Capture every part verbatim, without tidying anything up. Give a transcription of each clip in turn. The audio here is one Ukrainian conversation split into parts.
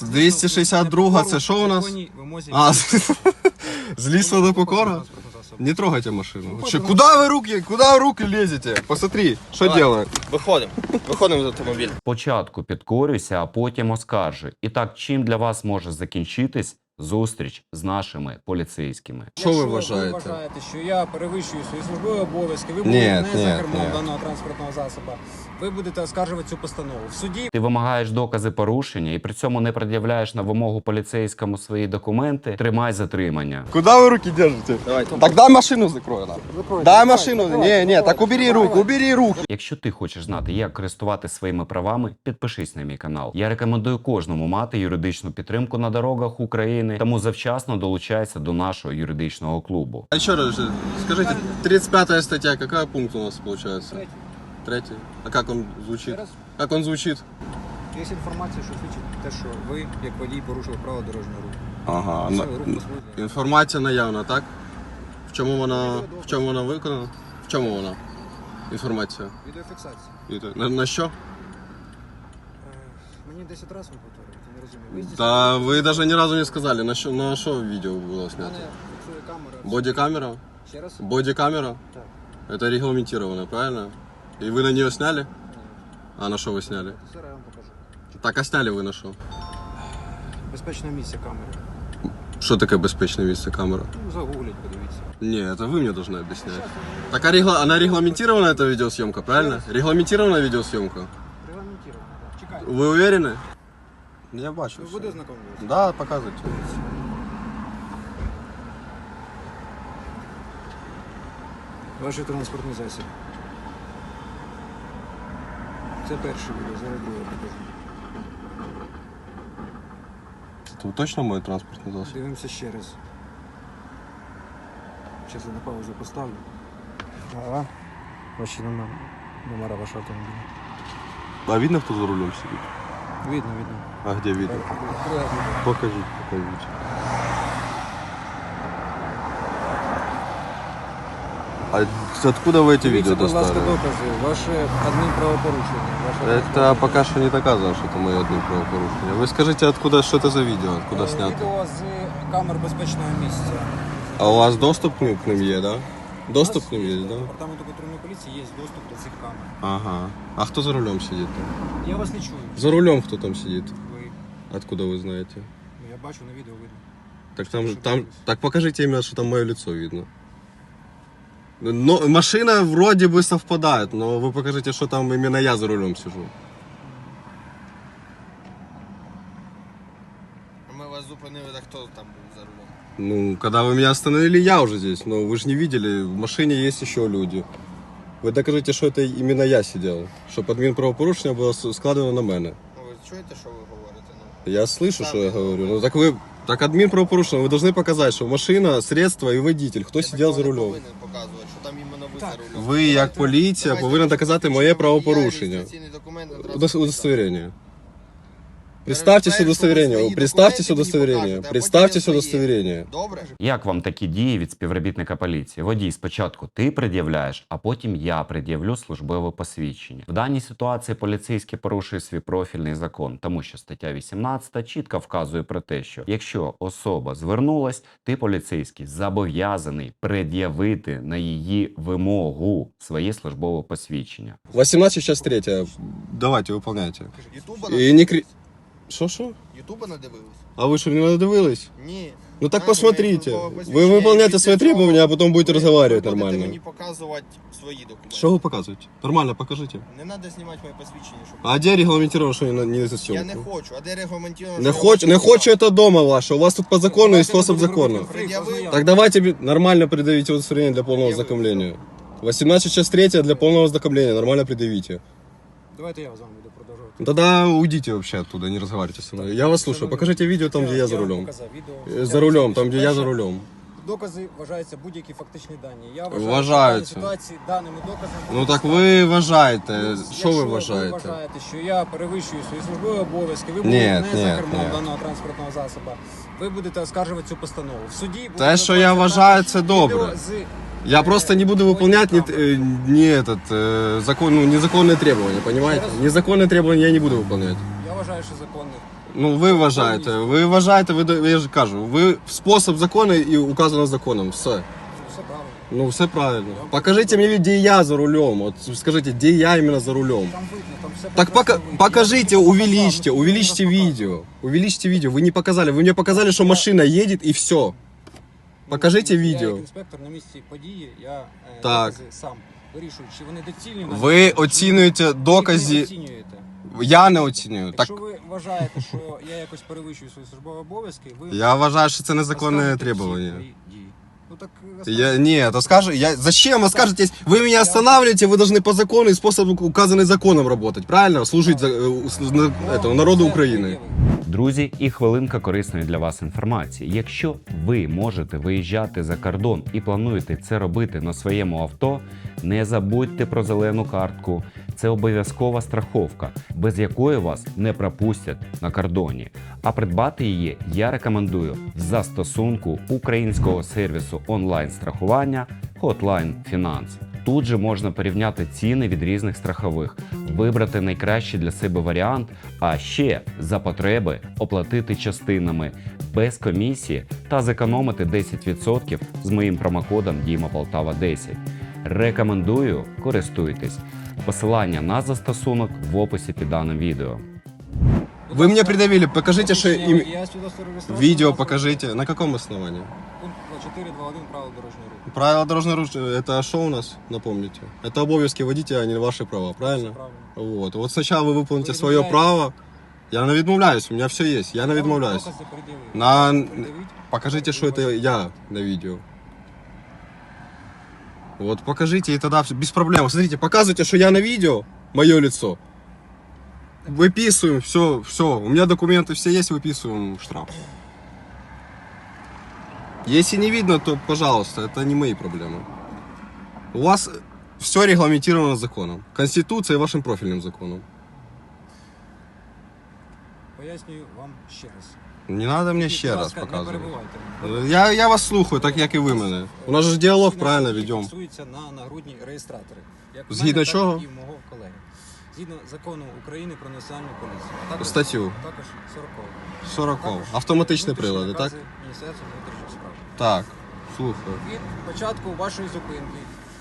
двісті шістдесят два, це що у нас? А, з лісу до покора? Не трогайте машину. Че, куда вы руки, куда вы руки лезете? Посмотри, что делаем. Виходимо. Виходимо з автомобіля. Спочатку підкорюйся, а потім оскаржуй. І так, чим для вас може закінчитись зустріч з нашими поліцейськими? Що ви Якщо вважаєте? ви вважаєте, що я перевищую свої службові обов'язки, ви Ні, будете не ні, за кермом ні. даного транспортного засобу, ви будете оскаржувати цю постанову. В суді Ти вимагаєш докази порушення і при цьому не пред'являєш на вимогу поліцейському свої документи, тримай затримання. Куда вы руки держите? Давайте. Так дай машину закрой. Да. Дай машину. Не, не, так убери руку, убери руки. Якщо ти хочеш знати, як користуватися своїми правами, підпишись на мій канал. Я рекомендую кожному мати юридичну підтримку на дорогах України, тому завчасно долучайся до нашого юридичного клубу. А еще раз, скажите, тридцать пятая статья, какой пункт у нас получается? Третій. Третий. А как он звучит? Раз. Как он звучит? є інформація, що свідчить те, що ви, як водій, порушили правила дорожнього руху. Ага. Все, на- рух послужний. Інформація наявна, так? В чому вона, в чому вона виконана? В чому вона? Інформація. Відеофіксація. І- На, на що? Е, Мені десять разів повторюють, я не розумію. Ви здійснили- Та ви навіть ні разу не сказали, на що, на що відео було У мене знято? фіксує камера. Бодікамера? Ще раз? Бодікамера? Так. Это регламентировано, правильно? И вы на нее сняли? А на что вы сняли? Зараз я вам покажу. Так, а сняли вы на что? Безпечне місце камери. Что такое безопасное место камера? Ну, загугліть, подивіться. Не, это вы мне должны объяснять. Так, а регла... она регламентирована, эта видеосъемка, правильно? Регламентирована видеосъемка? Регламентировано, так. Чекайте. Вы уверены? Я бачу. Ви всё. буде знайомитися? Да, показывайте. Ваш транспортний засіб. Це перше відео, зараз друге покажу. Это точно мой транспортный засоб? Дивимося ще раз. Зараз я на паузу поставлю. Ага. Ваші номера, номера вашого автомобіля. А видно, кто за рулем сидит? Видно, видно. А где видно? Друге відео. Покажите, покажите. А откуда вы эти Дивіться, видео будь ласка, достали? докази. Ваше адмінправопорушення. Ваше Это пока что не доказано, что это мое одно правопорушение. Вы скажите, откуда, что это за видео, откуда Е, снято? Відео з камер безпечного місця. А у вас доступ к ним, к ним есть, да? Доступ У к нас ним є, есть, да? Департаменту патрульної поліції є доступ до цих камер. Ага. А кто за рулем сидит там? Я вас не чую. За рулем кто там сидит? Ви, Откуда вы знаете? ну, я бачу на відео видно. Так там, Что там, дивитесь? так покажите именно, что там мое лицо видно. Но машина вроде бы совпадает, но вы покажите, что там именно я за рулем сижу. Ми вас зупинили, так хто там був за рулем? Ну, когда вы меня остановили, я уже здесь, но вы же не видели, в машине есть еще люди. Вы докажите, что это именно я сидел, что адмінправопорушення було складено на мене. Ну, ви чуєте, що ви говорите? Ну, Я слышу, что я говорю. Ну так вы, так админправопорушение, вы должны показать, что машина, средство и водитель, хто я сидел такого за не рулем. повинен показувати, що там іменно ви Так. за рулем. Ви, як поліція, Давайте повинні доказати моє правопорушення. реєстраційний документ на Удос- транспортний Удостоверение. Представьтесь Перечитаєш удостоверение. свої Представьтесь документи, мені удостоверение. покажете, а Представьтесь потім я свої. удостоверение. Добре? Як вам такі дії від співробітника поліції? Водій, спочатку ти пред'являєш, а потім я пред'явлю службове посвідчення. В даній ситуації поліцейський порушує свій профільний закон, тому що стаття вісімнадцята чітко вказує про те, що якщо особа звернулась, ти поліцейський зобов'язаний пред'явити на її вимогу своє службове посвідчення. восемнадцать, сейчас третья. Давайте, выполняйте. Ютуба І не крі... Що, що? Ютуба надивились? А ви що, не надивились? Ні. Ну так Знаєте, посмотрите. моє службове Вы посвідчення, выполняете після свои цього требования, а потом будете ви- разговаривать ви будете нормально. мені показувати свої документи. Что вы показываете? Нормально покажите. Не треба знімати моє посвідчення, щоб... А где регламентировано, что не, не за Я съемку? не хочу. А де регламентовано? Не хочу, не хочу это дома ваше. У вас тут по закону и способ закона. Пред'явив. Так давайте бе- нормально предъявите удостоверение для полного Предъявил. ознакомления. восемнадцать час третья для полного ознакомления. Нормально предъявите. Давайте я з вами буду продовжувати. Тогда уйдите вообще оттуда, не разговаривайте со мной. Я вас слушаю. Покажите видео там, где я за вам рулем. показав відео. Э, За рулем, там, где я за Перше, рулем. Докази вважаються будь-які фактичні дані. Я вважаю, Вважаються. що в даній ситуації даними доказами... Ну так ви вважаєте. Якщо Що ви ви вважаєте? вважаєте, що я перевищую свої службові обов'язки, ви Ні, будете не ні, за кермом ні. даного транспортного засобу, ви будете оскаржувати цю постанову. В суді буде Те, що я виконуватися вважаю, також це добре. відео з- Я просто не буду выполнять не, э, не этот э, закон, ну, незаконные требования, понимаете? Незаконные требования я не буду выполнять. Я вважаю, що законних. Ну, ви вважаєте, ви вважаєте, ви, до- я ж кажу, ви спосіб закону і указано законом, все. Все правильно. Ну, все правильно. Покажите мне, где я за рулем, вот скажите, где я именно за рулем. Там видно, там все Так пока, прекрасно видно. покажите, Я вам увеличьте, показав, увеличьте ну, скільки раз видео. Увеличьте видео, вы не показали, вы мне показали, что машина едет и все. показав. Покажите Я видео. як інспектор на місці події, я е, Так. докази сам вирішую, чи вони доцільні. на Ви місці, чи оцінюєте ви їх не докази, оцінюєте. я не оцінюю. Так, Якщо ви вважаєте, що я якось перевищую свої службові обов'язки, ви я вважаю, що це незаконне розкажете всі требування. свої дії. Ну так Я, не, то скажи, я, зачем вы скажете, вы меня останавливаете, вы должны по закону и способ, указанный законом работать, правильно? Служить за, э, с- на- этому, народу України. Друзі, і хвилинка корисної для вас інформації. Якщо ви можете виїжджати за кордон і плануєте це робити на своєму авто, не забудьте про зелену картку. Це обов'язкова страховка, без якої вас не пропустять на кордоні. А придбати її я рекомендую в застосунку українського сервісу онлайн-страхування Hotline Finance. Тут же можна порівняти ціни від різних страхових, вибрати найкращий для себе варіант, а ще за потреби оплатити частинами без комісії та зекономити десять відсотків з моїм промокодом Діма Полтава десять. Рекомендую, користуйтесь. Посилання на застосунок в описі під даним відео. Вы мне придавили, покажите, что им... Я свідоцтво реєстрації Видео на покажите. На каком основании? Пункт чотири два один правил дорожнього руху. Правила дорожного руха, это что у нас, напомните? Это обов'язки водителя, а не ваши права, правильно? Все правильно. Вот. Вот сначала вы выполните Вы свое відмовляєтесь? право. Я не відмовляюсь, у меня все есть, я не відмовляюсь. Докази пред'явили. На... Пред'явіть. Покажите, что это я на видео. Вот покажите, и тогда все, без проблем. Смотрите, показывайте, что я на видео, мое лицо. Выписываем, все, все. У меня документы все есть, выписываем штраф. Если не видно, то, пожалуйста, это не мои проблемы. У вас все регламентировано законом. Конституцией и вашим профильным законом. Пояснюю вам ще раз. Не надо мне Будь ще раз ласка, не показывать. перебивайте. Я, я вас слухаю, так як і ви мене. У нас же ж діалог правильно ведемо. Фіксується на нагрудні реєстратори. Як у Згідно мене, чого? Так і в мого колеги. Згідно закону України про національну поліцію. А також, Статтю. Також сорокову. сороково. Також Автоматичні внутрішні прилади, так? накази Міністерства внутрішніх справ. Так, слухаю. Від початку вашої зупинки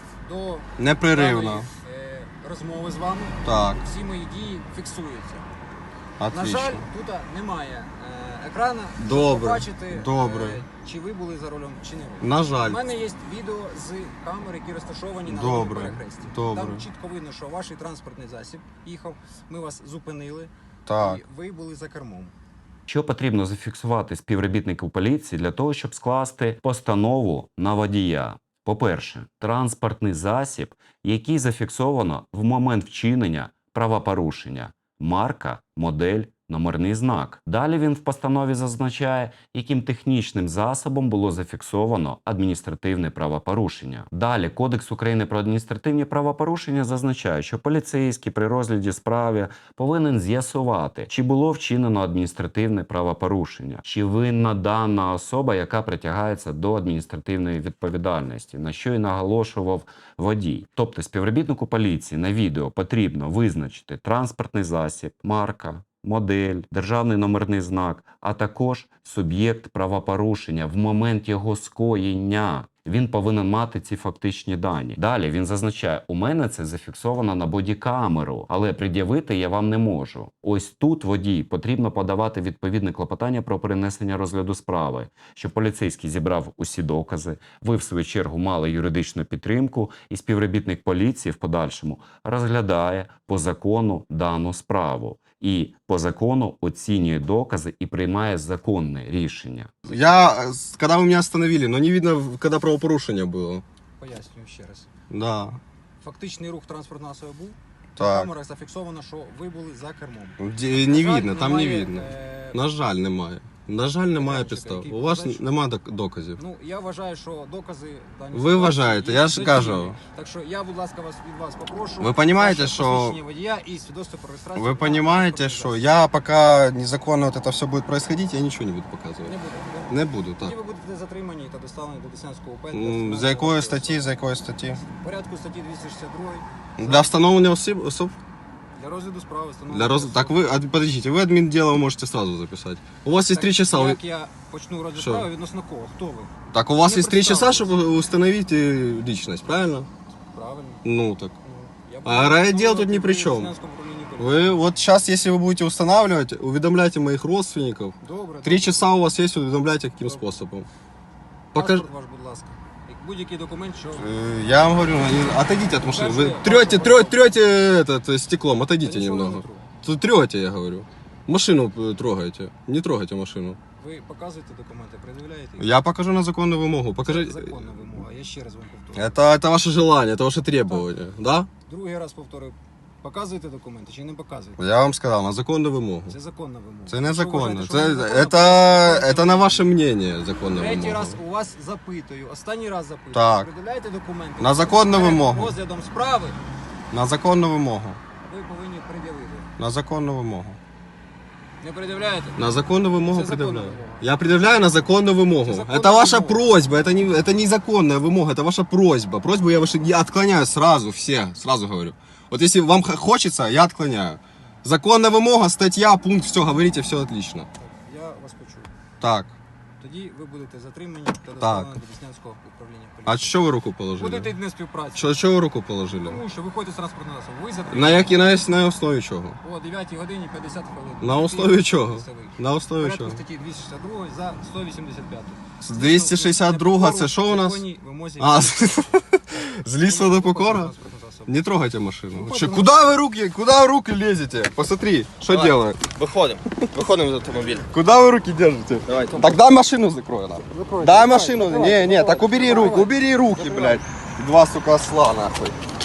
до Непреривно. даної, е, розмови з вами Так, всі мої дії фіксуються. На отлично. жаль, тут немає е, екрана, щоб Добре, побачити, добре. е, чи ви були за рулем, чи не ви. На У жаль. мене є відео з камер, які розташовані на Добре, дорожньому перехресті. добре. Там чітко видно, що ваш транспортний засіб їхав, ми вас зупинили, Так. і ви були за кермом. Що потрібно зафіксувати співробітнику поліції для того, щоб скласти постанову на водія? По-перше, транспортний засіб, який зафіксовано в момент вчинення правопорушення. Марка, модель, номерний знак. Далі він в постанові зазначає, яким технічним засобом було зафіксовано адміністративне правопорушення. Далі Кодекс України про адміністративні правопорушення зазначає, що поліцейський при розгляді справи повинен з'ясувати, чи було вчинено адміністративне правопорушення, чи винна дана особа, яка притягається до адміністративної відповідальності, на що і наголошував водій. Тобто співробітнику поліції на відео потрібно визначити транспортний засіб, марка, модель, державний номерний знак, а також суб'єкт правопорушення в момент його скоєння. Він повинен мати ці фактичні дані. Далі він зазначає, у мене це зафіксовано на бодікамеру, але пред'явити я вам не можу. Ось тут водій потрібно подавати відповідне клопотання про перенесення розгляду справи, щоб поліцейський зібрав усі докази, ви в свою чергу мали юридичну підтримку, і співробітник поліції в подальшому розглядає по закону дану справу. І по закону оцінює докази і приймає законне рішення. Я, э, когда вы меня остановили, но не видно, когда правопорушение было. Пояснюю ще раз. Да, Фактичний рух транспортного засобу був. На так. камерах зафіксовано, що ви були за кермом. Де- На Не жаль, видно, там не немає, видно. е, На жаль, немає. На жаль, немає Майданчика, підстав. який У вас показує, немає док- доказів. Ну, я вважаю, що докази дані Ви ситуації вважаєте, є я ж доцільні. кажу. Так що я, будь ласка, вас від вас попрошу. Ви понімаєте, ваше що- посвідчення водія і свідоцтво про реєстрацію. Вы на понимаете, транспортний что засіб. я пока незаконно вот это все будет происходить, я ничего не буду Не показывать. буду. Не буду, так. Тоді ви будете затримані та доставлені до Деснянського УП. М, За якої статті, за якої статті? В порядку статті двісті шістдесят два. Для встановлення осіб, особ? Для розгляду справи встановлено. Для роз... Так вы, а, подождите, вы админ дела можете сразу записать. У вас есть три часа. вы- Як я почну розгляд Що? справи, відносно кого? Хто ви? Так у вас Не есть три часа, представились. чтобы установить э, личность, правильно? Правильно. Ну так. Ну, я А буду райотдел тут встановлювати ни при в чём. Снянському управлінні поліції. Вы вот сейчас, если вы будете устанавливать, уведомляйте моих родственников. Добре. Три добре. часа у вас есть, уведомляйте каким Добре. способом. Покаж... Паспорт ваш, будь ласка. Як будь-який документ, що... Э, Я вам говорю, не- отойдите от машины. Вы Покажи, трете, паспорт. трете, трете этот э, стеклом, отойдите Та нічого не немного. тру. Тут трете, я говорю. Машину э, трогайте. Не трогайте машину. Ви показуєте документи, пред'являєте? Я покажу на законную вымогу. Це Покажи. законна вимога, я ще раз вам повторюю. Это, это ваше желание, это ваше требование, да? Другий раз повторюю. Показуєте документи чи не показуєте? Я вам сказал, на законную вымогу. Це законна вимога. Це Якщо незаконно. вважаєте, що Це, незаконно, это, то это на ваше мнение законная Третій вымога. раз у вас запитую, останній раз запитую. Так. Пред'являєте документи. На законну Перед вимогу. Розглядом справи На законную вымогу. ви повинні пред'явити. На законную вымогу. Не пред'являєте? На законную вымогу Это законная предъявляю. вымога. Я предъявляю на законную вымогу. Это законная Это ваша вымога. просьба, это не, это не законная вымога, это ваша просьба. Просьбу я, ваши, я отклоняю сразу, все, сразу говорю. Вот если вам х- хочется, я отклоняю. Законная вымога, статья, пункт, все, говорите, все отлично. Так, я вас почув. Так, Тоді ви будете затримані та доставлені до Деснянського управління а поліції. що ви руку положили? Будете не співпраці. Що, що ви руку положили? Тому що виходите з транспортного засобу. Ви затримані. На, які, на, на основі чого? О дев'ятій годині п'ятдесят хвилин. На основі чого? Місцевий. На основі Порядку чого? статті двісті шістдесят два за сто вісімдесят п'ять. двісті шістдесят два це що у нас? А, з лісу до покора? Не трогайте машину. Че, куда вы руки, куда вы руки лезете? Посмотри, что Давай. делаю. Виходимо. Виходимо з автомобіля. Куда вы руки держите? Давайте. Так дай машину закрой нам. Дай машину. Не, не, так убери руку, убери руки, блядь. Два, сука, осла, нахуй.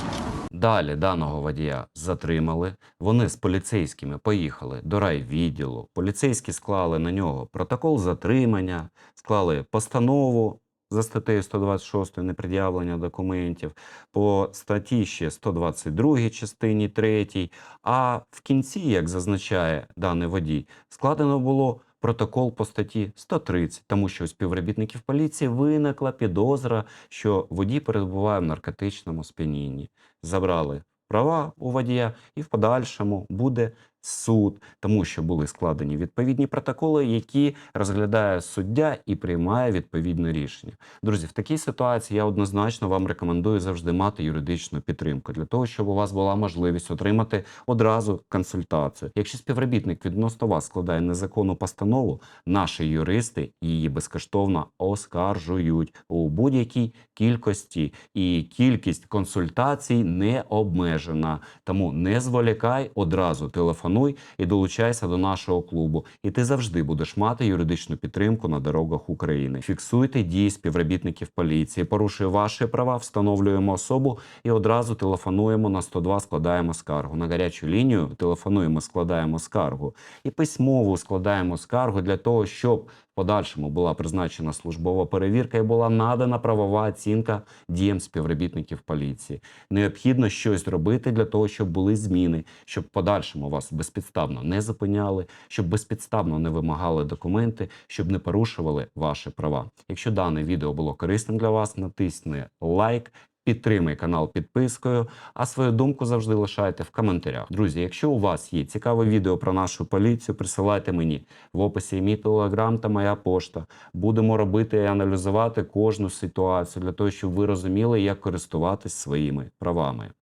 Далі даного водія затримали. Вони з поліцейськими поїхали до райвідділу. Поліцейські склали на нього протокол затримання, склали постанову за статтею сто двадцять шість непред'явлення документів, по статті ще сто двадцять два частині третій. А в кінці, як зазначає даний водій, складено було протокол по статті сто тридцять, тому що у співробітників поліції виникла підозра, що водій перебуває в наркотичному сп'янінні. Забрали права у водія і в подальшому буде суд, тому що були складені відповідні протоколи, які розглядає суддя і приймає відповідне рішення. Друзі, в такій ситуації я однозначно вам рекомендую завжди мати юридичну підтримку, для того, щоб у вас була можливість отримати одразу консультацію. Якщо співробітник відносно вас складає незаконну постанову, наші юристи її безкоштовно оскаржують у будь-якій кількості, і кількість консультацій не обмежена. Тому не зволікай, одразу телефонуй і долучайся до нашого клубу. І ти завжди будеш мати юридичну підтримку на дорогах України. Фіксуйте дії співробітників поліції, порушує ваші права, встановлюємо особу і одразу телефонуємо на сто два, складаємо скаргу. На гарячу лінію телефонуємо, складаємо скаргу. І письмово складаємо скаргу для того, щоб в подальшому була призначена службова перевірка і була надана правова оцінка діям співробітників поліції. Необхідно щось робити для того, щоб були зміни, щоб в подальшому вас безпідставно не зупиняли, щоб безпідставно не вимагали документи, щоб не порушували ваші права. Якщо дане відео було корисним для вас, натисни лайк, підтримай канал підпискою, а свою думку завжди лишайте в коментарях. Друзі, якщо у вас є цікаве відео про нашу поліцію, присилайте мені. В описі мій телеграм та моя пошта. Будемо робити і аналізувати кожну ситуацію для того, щоб ви розуміли, як користуватись своїми правами.